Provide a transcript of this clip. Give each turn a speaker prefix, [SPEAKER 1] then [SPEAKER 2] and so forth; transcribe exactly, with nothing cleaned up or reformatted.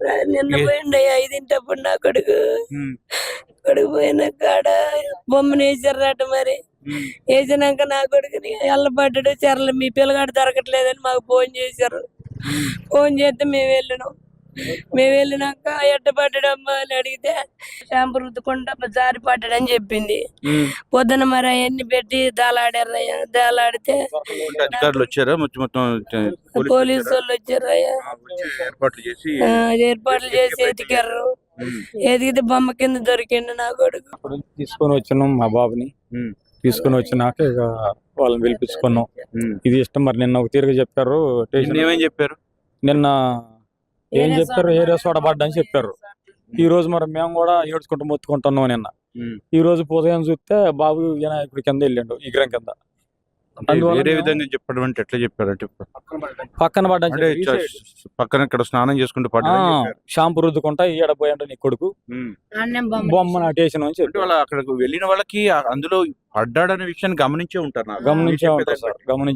[SPEAKER 1] నిన్న పోయిండు ఐదింటప్పుడు నా కొడుకు కొడుకు పోయిన కాడ బొమ్మను వేసారట. మరి వేసినాక నా కొడుకుని ఎల్లబడ్డాడు. చెరలు మీ పిల్లగాడు దొరకట్లేదని మాకు ఫోన్ చేశారు. ఫోన్ చేస్తే మేము వెళ్ళినాం. మేము వెళ్ళినాక ఎట్ట పడ్డాడమ్మా అని అడిగితే షాంపూ రుద్దుకుంటా జారి పడ్డాడని చెప్పింది. పొద్దున మరి అవన్నీ పెట్టి దాలాడారయ్యా. దాలాడితే పోలీసు వాళ్ళు వచ్చారు అయ్యా. ఏర్పాట్లు చేసి ఎతికారు. ఎదిగితే బొమ్మ కింద దొరికిండు నా కొడుకు.
[SPEAKER 2] తీసుకొని వచ్చినాం మా బాబుని. తీసుకొని వచ్చినాక ఇక వాళ్ళని పిలిపించుకున్నాం. ఇది ఇష్టం మరి నిన్న ఒక తీరుగా చెప్పారు.
[SPEAKER 3] ఏమేం చెప్పారు
[SPEAKER 2] నిన్న ఏం చెప్పారు ఏరియా సోడబడ్డా అని చెప్పారు. ఈ రోజు మరి మేము కూడా ఏడ్చుకుంటూ మొత్తుకుంటున్నాం. నిన్న ఈ రోజు ఉదయం చూస్తే బాబు వినాయకుడి కింద వెళ్ళిండు విగ్రహం కింద.
[SPEAKER 3] వేరే విధంగా చెప్పడం అంటే ఎట్లా చెప్పారంటే
[SPEAKER 2] పక్కన పడ్డా
[SPEAKER 3] పక్కన ఇక్కడ స్నానం చేసుకుంటూ పడ్డా
[SPEAKER 2] షాంపూ రుద్దుకుంటా ఈడపోయాడు నీ కొడుకు బొమ్మ నాటేసిన అని చెప్పి
[SPEAKER 3] వాళ్ళ అక్కడికి వెళ్ళిన వాళ్ళకి అందులో పడ్డాడనే విషయాన్ని గమనించే ఉంటారు
[SPEAKER 2] గమనించే ఉంటారు సార్ గమనించి